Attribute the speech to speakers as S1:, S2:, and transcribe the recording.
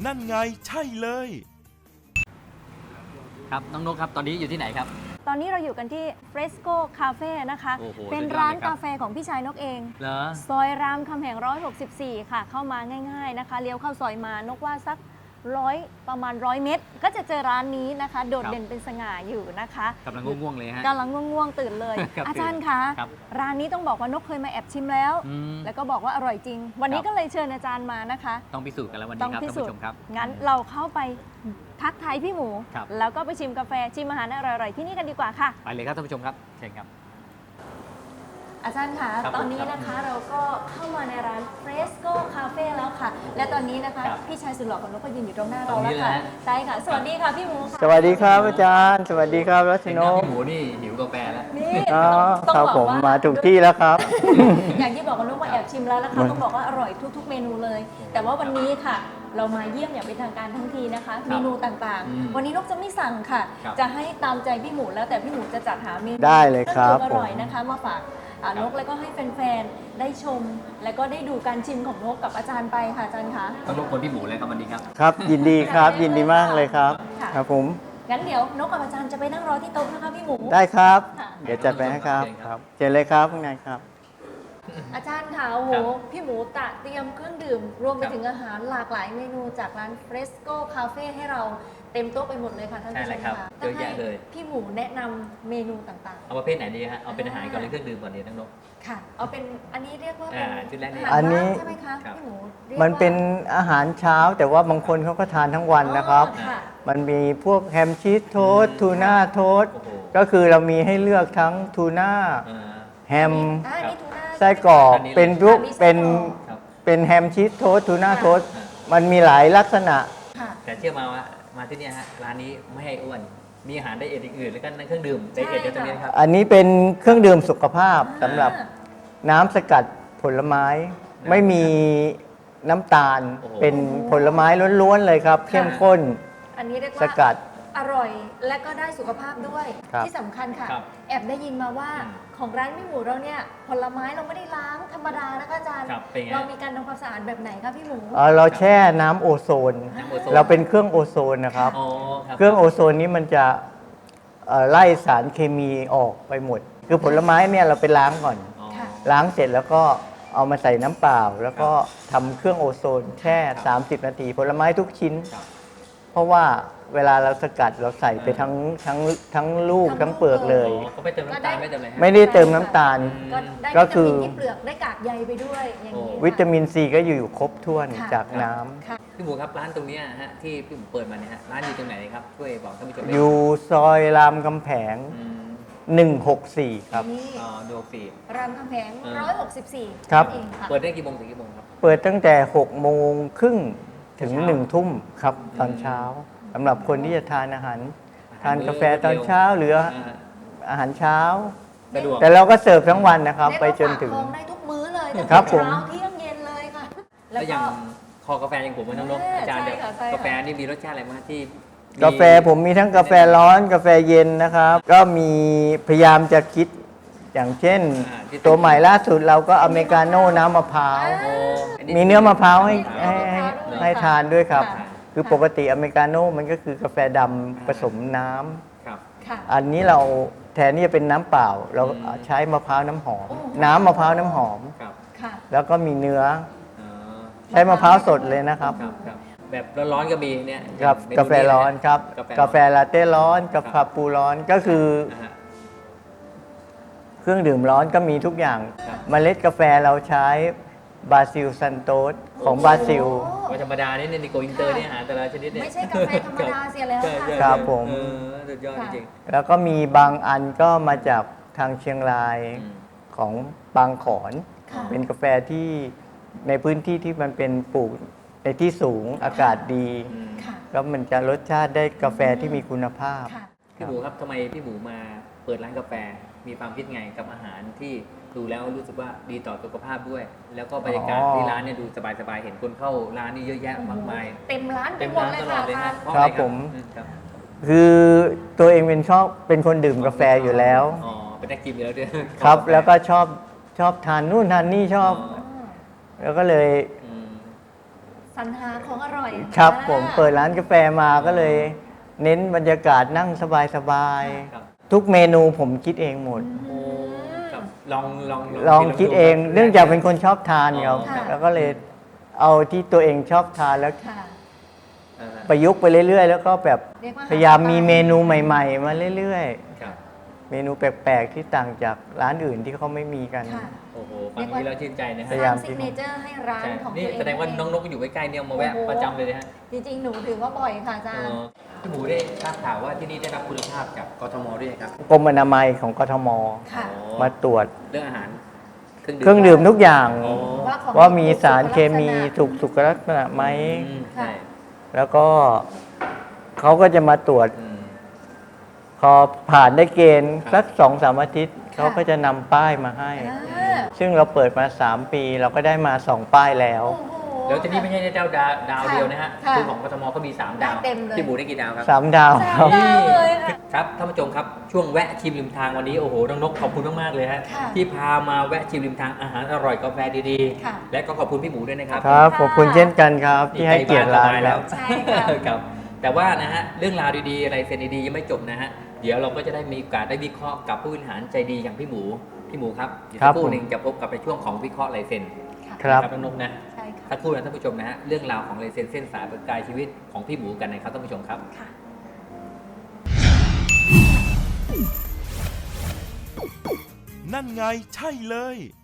S1: นั่นไงใช่เลย
S2: ครับน้องนกครับตอนนี้อยู่ที่ไหนครับ
S3: ตอนนี้เราอยู่กันที่ Fresco Cafe นะคะ
S2: โอ้โห
S3: เป็น
S2: สุดยอด
S3: ร้าน
S2: เลยครับ
S3: กาแฟของพี่ชายนกเอง
S2: เหรอ
S3: ซอยรามคำแหง164 ค่ะ เข้ามาง่ายๆนะคะ เลี้ยวเข้าซอยมานกว่าสักประมาณ100 เมตร ก็จะเจอร้านนี้นะคะ โดดเด่นเป็นสง่าอยู่นะคะ
S2: กำลังง่วงๆเลยฮะ
S3: กำลังง่วงๆตื่นเลย
S2: ครับ
S3: อาจารย์คะ
S2: ครับ
S3: ร้านนี้ต้องบอกว่านกเคยมาแอบชิมแล้ว
S2: อืม
S3: แล้วก็บอกว่าอร่อยจริง วันนี้
S2: ครับ
S3: ก็เลยเชิญอาจารย์มานะคะ
S2: ต้องพิสูจน์กันแล้ววัน
S3: ต้
S2: นี้
S3: อง
S2: ครับ
S3: พิ
S2: ท่าน
S3: สูจ
S2: ผู้ช
S3: น์
S2: มครับ
S3: งั้นเราเข้าไปทักทายพี่หมู
S2: ครับ
S3: แล้วก็ไปชิมกาแฟชิมอาหารอร่อยๆที่นี่กันดีกว่าค่ะ
S2: ไปเลยครับท่านผู้ชมครับเชิญครับ
S3: อาจารย์คะ
S2: ครับ
S3: ตอนนี้นะคะเราก็เข้ามาในร้าน Fresco Cafe แล้วค่ะ และตอนนี้นะคะ
S2: ครับ
S3: พี่ชายสุดหล่อของนกก็ยืนอยู่ตรงหน้า
S2: ตร
S3: เรา
S2: งนี้
S3: แล้วค่ะ
S2: เลยฮะ
S3: ใช่ค่ะ สวัสดีค่ะพี่หมูค่ะ
S4: สวัสดีครับอาจารย์ สวัสดีครับรัช
S2: เห็น
S4: น
S2: น้าก พี่หมูนี่หิวกาแฟแล้ว
S3: นี่
S4: อ๋อ
S3: ต้อง
S4: ครับ
S3: บอก
S4: ผม
S3: ว่า
S4: มาถูกที่แล้วครับ
S3: อย่างที่บอกกับนกว่าแอบชิมแล้วนะคะต้องบอกว่าอร่อยทุกๆเมนูเลย แต่ว่าวันนี้ค่ะ เรามาเยี่ยมอย่างเป็นทางการทั้งทีนะคะ เมนูต่าง
S2: อืม
S3: ๆ วันนี้นกจะไม่สั่งค่ะ
S2: ครับ
S3: จะให้ตามใจพี่หมูแล้วแต่พี่หมูจะจัดหาเมนู
S4: ได้เลยครับ
S3: อร่อย
S4: ผม
S3: นะคะมาฝากนกแล้วก็ให้แฟนๆได้ชม แล้วก็ได้ดูการชิมของนกกับอาจารย์ไปค่ะอาจารย์คะ
S2: ต้องรบกวนพี่หมูเลยครับวันนี้ครับ
S4: ครับยินดีครับยินดีมากเลยครับ
S3: ค่ะ
S4: ครับผม
S3: งั้นเดี๋ยวนกกับอาจารย์จะไปนั่งรอที่โต๊ะนะคะพี่หมู
S4: ได้ครับ
S3: ค่ะ
S4: เดี๋ยวจัดไปให้ครับ
S2: เชิญ
S4: ค
S2: ครั
S4: รับ บเจอเลยครับข้างในครับ
S3: อาจารย์ค่ะโอ้โห
S2: ครับ
S3: พี่หมูตะเตรียมเครื่องดื่ม รวมไป
S2: ครับ
S3: ถึงอาหารหลากหลายเมนูจากร้าน Fresco Cafe ให้เราเต็มโต๊ะไปหมดเลยค่ะท่านผู้ช
S2: ใช่
S3: ม
S2: เลยครับ
S3: ค่ะ
S2: เยอะแยะเลย
S3: พี่หมูแนะนำเมนูต่าง
S2: เอาประเภทไหนดีฮะเอาเป็นอาหารก่อนหรือเครื่องดื่มก่อนดีน้องนก
S3: ๆ ค่ะ เอาเป็นอันนี้เรียกว่าเป็น
S2: ชุดแรกนี่
S3: อาหาร
S4: อันนี้
S3: ว่างใช่ไหมคะ
S2: ครับ
S3: พี่หมูรียก
S4: มันเป็น
S3: ว่า
S4: อาหารเช้า แต่ว่าบางคนเขาก็ทานทั้งวันนะครับ
S3: อ๋อค่ะ
S4: มันมีพวกแฮมชีสโทสต์ทูน่าโทสต์
S2: โอ้โห
S4: ก็คือเรามีให้เลือกทั้งทูน่า
S2: อ่า
S4: แฮม
S3: อ่านี่ทูน่า
S4: ไส้กรอก
S2: อันนี้เลย
S4: เป็นรูป
S3: อันนี้ไส้
S4: เป็น
S3: กรอก
S2: ครับ
S4: เป็นแฮมชีสโทสต์ทูน่า
S3: ค่ะ
S4: โทสต์มันมีหลายลักษณะ
S3: ค่ะ
S2: แต่เชื่อมาว่ามาที่เนี่ยฮะร้านนี้ไม่ให้อ้วนมีอาหารไดเอทอื่นๆแล้วก็เครื่องดื่มไดเอทเดี๋ยวตรงนี้นะครับ
S4: อันนี้เป็นเครื่องดื่มสุขภาพ
S3: อ่า
S4: สำหรับน้ำสกัดผลไม้ ไม่มีน้ำตาล
S2: โอ้โห
S4: เป็นผลไม้ล้วนๆเลยครับ เข้มข้น
S3: อันนี้เรียก
S4: ส
S3: ว่า
S4: กัด
S3: อร่อยและก็ได้สุขภาพด้วย
S4: ครับ
S3: ที่สำคัญค่ะ
S2: ครับ
S3: แอบได้ยินมาว่า
S2: อืม
S3: ของร้านพี่หมูเราเนี่ยผลไม้เราไม่ได้ล้างธรรมดานะคะอาจารย์
S2: ครับเป็นไง
S3: เรามีการทำความสะอาดแบบไหนคะพี่หมู
S4: เราแช่น้ำโอโซน
S2: น้ำโอโซน
S4: เราเป็นเครื่องโอโซนนะครับ
S2: อ๋อครับ
S4: เครื่องโอโซนนี้มันจะไล่สารเคมีออกไปหมด คือผลไม้เนี่ยเราไปล้างก่อน
S2: อ๋อ
S3: ค่ะ
S4: ล้างเสร็จแล้วก็เอามาใส่น้ำเปล่า แล้วก็ทำเครื่องโอโซนแช่ 30 นาที ผลไม้ทุกชิ้น
S2: ครับ
S4: เพราะว่าเวลาเราสกัดเราใส่ไปทั้งลูก
S3: ทั้
S4: ทั้
S3: ง
S4: งเปลือกเลย
S2: อ๋อเขาไม่เติมน้ำตาลไม่เติมอะไรฮะ
S4: ไม่ได้เติมน้ำตาล
S3: ก็ได้
S4: ก็
S3: วิ
S4: คื
S3: ตา
S4: อ
S3: มินที่เปลือกได้กากใยไปด้วยอย่างนี้
S2: โอ้
S4: วิตามินซีก็อยู่ครบถ้วน
S3: ค่ะ
S4: จากน้ำ
S3: ค่ะ
S2: พี่หมูครับร้านตรงเนี้ยฮะที่พี่หมูเปิดมาเนี่ยฮะร้านอยู่ตรงไหนครับช่วยบอกท่านผู้ชมได้ไหม
S4: อยู่ซอยรามคำแผง
S2: อืม
S4: 164 ครับ
S3: นี่
S2: ดูฟี
S3: รามคำแหง
S2: เออ
S3: 164
S4: ครับ
S3: นั่นเองค่ะ
S2: เปิดได้กี่โมงถึงกี่โมงครับ
S4: เปิดตั้งแต่6 โมงครึ่งถึง
S2: เช้า
S4: 1 ทุ่มครับตอนเช้าสำหรับคนที่จะทานอาหาร ทานกาแฟตอนเช้าหรือ
S2: อ่า
S4: อาหารเช้า
S2: สะดวก
S4: แต่เราก็เสิร์ฟทั้งวันนะครับ
S3: เรียก
S4: ไป
S3: ว่า
S4: จนถึง
S3: ฝากท้องได้ทุกมื้อเลยตั้ง
S4: ครั
S3: แต่
S4: บผม
S3: เช้าเที่ยงเย็นเลยค่ะ
S2: แล้วอย่างคอกาแฟอย่างผมมันน้องนกอาจารย์
S3: ใช่
S2: เดี๋ยว
S3: ค่ะใช่ค่ะ
S2: กาแฟนี่มีรสชาติอะไรบ้างที่
S4: กาแฟผมมีทั้งกาแฟร้อนกาแฟเย็นนะครับ ก็มีพยายามจะคิดอย่างเช่น
S2: ที่
S4: ตัวใหม่ล่าสุดเราก็อเมริกาโน่น้ำมะพร้าว
S2: โอ้
S4: มีเนื้อมะพร้าวให้
S3: มี
S4: ให้
S3: เนื้อมะพร้าว
S4: ให้ทานด้วยครับ
S3: ค่ะ
S4: คือปกติอเมริกาโน่มันก็คือกาแฟดำผสมน้ำ
S2: ครับ
S3: ค่ะ
S4: อันนี้เราแทนที่จะเป็นน้ำเปล่า เรา
S2: อืม
S4: ใช้มะพร้าวน้ำหอม
S3: โอ้
S4: น้ำมะพร้าวน้ำหอม
S2: ครับ
S3: ค่ะ
S4: แล้วก็มีเนื้อ
S2: อ๋อ
S4: ใช้มะพร้าวสดเลยนะครับ
S2: ครับครับแบบร้อนๆก็มีเนี่ย
S4: ครับ
S2: เมนู
S4: กาแฟร้อนครับ กาแฟลาเต้ร้อนกาแฟปูร้อนก็คือ
S2: นะฮะ
S4: เครื่องดื่มร้อนก็มีทุกอย่าง
S2: ครับ
S4: เมล็ดกาแฟเราใช้บราซิลซันโตสของบราซิล
S3: โอ้
S2: วันธรรมดานี่ในโกอินเตอร์เนี่ยอาหารแต่ละชนิดเนี่ย
S3: ไม่ใช่กาแฟธรรมดาเสียแล้ว
S2: ใช่
S3: ค่ะ
S2: ใช่
S4: ครับผม
S2: เออสุดยอดจริง
S4: แล้วก็มีบางอันก็มาจากทางเชียงราย
S2: อืม
S4: ของบางขอน
S3: ค่ะ
S4: เป็นกาแฟที่ในพื้นที่ที่มันเป็นปลูกในที่สูงอากาศดี
S2: อืม
S3: ค่ะ
S4: แล้วมันจะรสชาติได้กาแฟที่มีคุณภาพ
S3: ค่ะ
S2: พี่หมูครับทำไมพี่หมูมาเปิดร้านกาแฟ มีความคิดไงกับอาหารที่ดูแล้วรู้สึกว่าดีต่อสุขภาพด้วย แล้วก็บรรยากาศ
S4: อ๋อ
S2: ที่ร้านเนี่ยดูสบายๆ เห็นคนเข้าร้านนี่เยอะแยะมากมาย
S3: เต็มร้านไป
S2: เต็ม
S3: หมด
S2: ร้าน
S3: เลย
S2: ตลอ
S3: ค่ะ
S2: ดเลย
S3: อาจา
S2: ฮะ
S3: รย์
S2: เพราะ
S4: ครั
S2: อะ
S4: บ
S2: ไ
S4: ผม
S2: ครับ
S4: คือตัวเองเป็นคนดื่มกาแฟอยู่แล้ว
S2: อ๋อเป็นนักกินอยู่แล้วด้วย
S4: ครับ แล้วก็ชอบทานนู่นทานนี่ชอบ
S3: อ๋อ
S4: แล้วก็เลย
S2: อืม
S3: สรรหาของอร่อย
S4: ครับผมเปิดร้านกาแฟมาก็เลย เน้นบรรยากาศนั่งสบาย
S2: ครับ
S4: ๆทุกเมนูผมคิดเองหมด
S2: โอ้ครับลอง
S4: ลองคิดเอง เนื่องจากเป็นคนชอบทานครับ
S3: ค่ะ
S4: แล้วก็เลยเอาที่ตัวเองชอบทานแล้ว
S3: ค่ะ
S2: อ่า
S4: ประยุกต์ไปเรื่อยๆ แล้วก็แบบ
S3: เรียกว่า
S4: พยายามมีเมนูใหม่ ๆ มาเรื่อย
S2: ครับ
S4: ๆ เมนูแปลกๆที่ต่างจากร้านอื่นที่เขาไม่มีกัน
S3: ค่ะ
S2: โอ้โหฟังนี้แล้วชื่นใจนะ
S3: ส
S2: ฮะ
S3: ร้างซิกเนเจอร์ให้ร้าน
S2: ใช่
S3: ของ
S2: นี่
S3: ตัวเอง
S2: แสดงว่าน้องนกอยู่ใกล้ๆเนี่ยมาแวะ
S3: โอ้โห
S2: ประจำเลยนะฮะ
S3: จริงๆ หนูถือว่าบ่อยค่ะอาจารย์
S2: พี่หมูได้ทราบข่าวว่าที่นี่ได้รับคุณภาพจากกทมด้วยครับ
S4: กรมอนามัยของกทม
S3: ค่ะ
S2: อ๋อ
S4: มาตรวจ
S2: เรื่องอาหาร
S4: เครื่องดื่มทุกอย่าง
S2: อ๋อ
S3: ของ
S4: ว่ามีสารเคมี
S3: ถูก
S4: สุขลักษณะไหม
S2: อืมใช่
S4: แล้วก็เขาก็จะมาตรวจ
S2: อืม
S4: พอผ่านได้เกณฑ์
S2: ครับ
S4: สัก2-3 อาทิตย์ เขาก็จะนำป้ายมาให้
S3: อ่า
S4: ซึ่งเราเปิดมา 3 ปี เราก็ได้มา 2 ป้ายแล้ว
S3: โอ้โห
S2: แล้วที่นี่ไม่ใช่ดาวเดียวนะฮะ
S3: ค่ะ
S2: คือของกทมก็มี 3 ดาว
S3: ได้เต็มเลย
S2: พี่หมูได้กี่ดาวครับ
S4: 3 ดาว
S3: สา
S4: ค
S3: ม
S4: รับ
S3: ดาวเลยค่ะ
S2: ครับท่านผู้ชมครับช่วงแวะชิมริมทางวันนี้โอ้โหน้องนกขอบคุณมากๆเลยฮะ
S3: ค่ะ
S2: ที่พามาแวะชิมริมทางอาหารอร่อยกาแฟดี
S3: ค่ะ
S2: ๆ และก็ขอบคุณพี่หมูด้วยนะครับ
S4: ครับ ขอบคุณเช่นกันครับ ที่ให้เกียรติร้าน
S2: แล้
S4: แล้ว ว
S3: ใช่ค่ะ
S2: ครับแต่ว่านะฮะเรื่องราวดีๆอะไรเซนดีๆยังไม่จบนะฮะเดี๋ยวเราก็จะได้มีโอกาสได้วิเคราะห์กับผู้บริหารใจดีอย่างพี่หมูครับเดี๋ยว
S4: ครั
S2: สั
S4: บ
S2: กครู่หนึ่งจะพบกับในช่วงของวิเคราะห์ลายเซ็น
S4: ครับ
S2: น้องนกนะ
S3: ใช่ค่ะ
S2: สักครู่นะท่านผู้ชมนะฮะเรื่องราวของลายเซ็นเส้นสายประกายชีวิตของพี่หมูกันนะครับท่านผู้ชมครับ
S3: ค่ะ
S1: นั่นไงใช่เลย